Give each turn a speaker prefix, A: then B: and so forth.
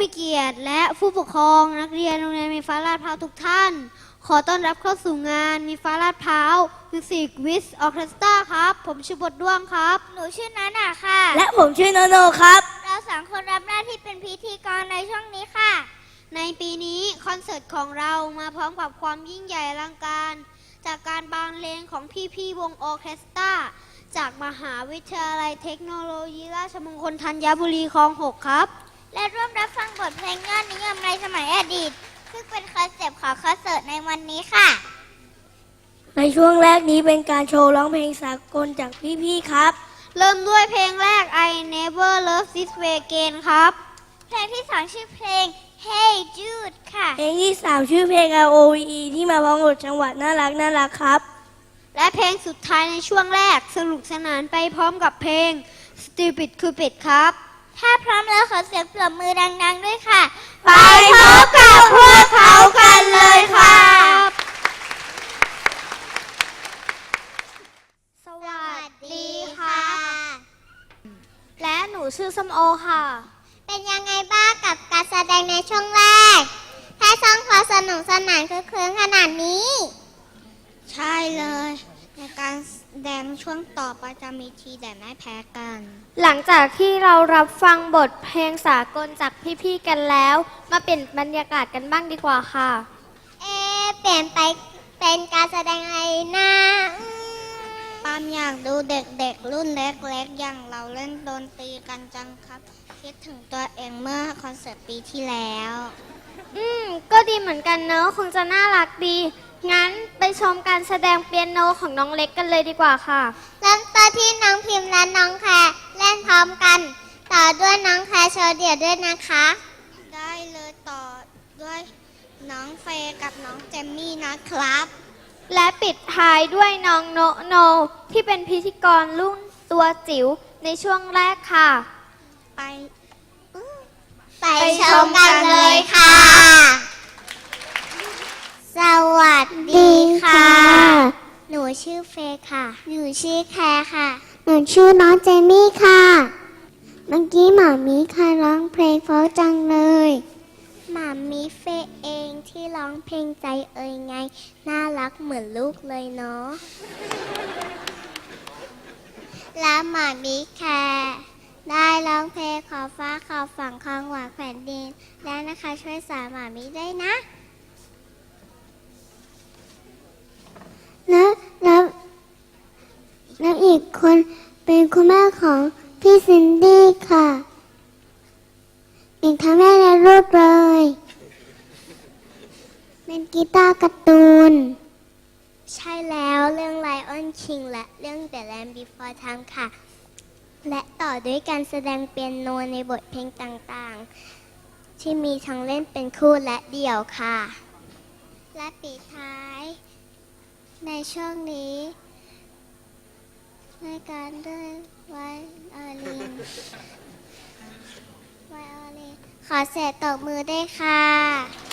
A: มีเกียรติและผู้ปกครองนักเรียนโรงเรียนมีฟ้าลาดพร้าวทุกท่านขอต้อนรับเข้าสู่งานมีฟ้าลาดพร้าวมิวสิกวิสออเคสตราครับผมชื่อบทด้วงครับ
B: หนูชื่อนาน่าค่ะ
C: และผมชื่อโนโนครับ
B: เราสองคนรับหน้าที่เป็นพิธีกรในช่วงนี้ค่ะ
A: ในปีนี้คอนเสิร์ตของเรามาพร้อมกับความยิ่งใหญ่อลังการจากการบรรเลงของพี่ๆวงออเคสตราจากมหาวิทยาลัยเทคโนโลยีราชมงคลธัญบุรีคลอง 6ครับ
B: และร่วมรับฟังบทเพลงยอดนิยมในสมัยอดีตซึ่งเป็นคอนเซปต์ของคอนเสิร์ตในวันนี้ค่ะ
C: ในช่วงแรกนี้เป็นการโชว์ร้องเพลงสากลจากพี่ๆครับ
A: เริ่มด้วยเพลงแรก I Never Love This Way Again ครับ
B: เพลงที่2ชื่อเพลง Hey Jude ค่ะ
C: เพลงที่3ชื่อเพลง ROVE ที่มาพร้อมกับจังหวะน่ารักครับ
A: และเพลงสุดท้ายในช่วงแรกสนุกสนานไปพร้อมกับเพลง Stupid Cupid ครับ
B: ถ้าพร้อมแล้วขอเสียงปรบมือดังๆด้วยค่ะ
A: ไปพบกับพวกเขากันเลยครับ
B: สวัสดีค่ะ
A: และหนูชื่อส้มโอค่ะ
B: เป็นยังไงบ้างกับการแสดงในช่วงแรกแค่ช่องขอสนุกสนานคือคืนขนาดนี้
A: ใช่เลยในการแสดงช่วงต่อไปจะมีทีแต่ไม่แพ้กัน
D: หลังจากที่เรารับฟังบทเพลงสากลจากพี่ๆกันแล้วมาเปลี่ยนบรรยากาศกันบ้างดีกว่าค่ะ
B: เปลี่ยนไปเป็นการแสดงอะไรนะ
A: ปามอยากดูเด็กๆรุ่นเล็กๆอย่างเราเล่นดนตรีกันจังครับคิดถึงตัวเองเมื่อคอนเสิร์ตปีที่แล้ว
D: ก็ดีเหมือนกันเนอะคงจะน่ารักดีงั้นไปชมการแสดงเปียโนของน้องเล็กกันเลยดีกว่าค่ะ
B: เริ่มต้นที่น้องพิมพ์และน้องแคร์เล่นพร้อมกันต่อด้วยน้องแคร์โชว์เดี่ยวด้วยนะคะ
A: ได้เลยต่อด้วยน้องเฟย์กับน้องเจมมี่นะครับ
D: และปิดท้ายด้วยน้องโนโนที่เป็นพิธีกรรุ่นตัวจิ๋วในช่วงแรกค่ะ
B: ไปชมกันเลยค่ะสวัสดีค่ะหนูชื่อเฟย์ค่ะหนูชื่อแคร์ค่ะหนูชื่อน้องเจมี่ค่ะเมื่อกี้หมามีค่ะร้องเพลงเพราะจังเลยหมามีเฟย์เองที่ร้องเพลงใจเอ่ยไงน่ารักเหมือนลูกเลยเนาะและหมามีแคร์ได้ร้องเพลงขอฟ้าขอฝั่งคลองหวานแผ่นดินและนะคะช่วยสอนหมามีได้นะแล้วอีกคนเป็นคุณแม่ของพี่ซินดี้ค่ะเป็นทั้งแม่และลูกเลยเป็นกีตาร์การ์ตูนใช่แล้วเรื่อง Lion King และเรื่อง The Land Before Time ค่ะและต่อด้วยการแสดงเปียโนในบทเพลงต่างๆที่มีทั้งเล่นเป็นคู่และเดี่ยวค่ะและปิดท้ายในช่วงนี้ในการด้วยไวโอลินขอเสียงตบมือด้วยค่ะ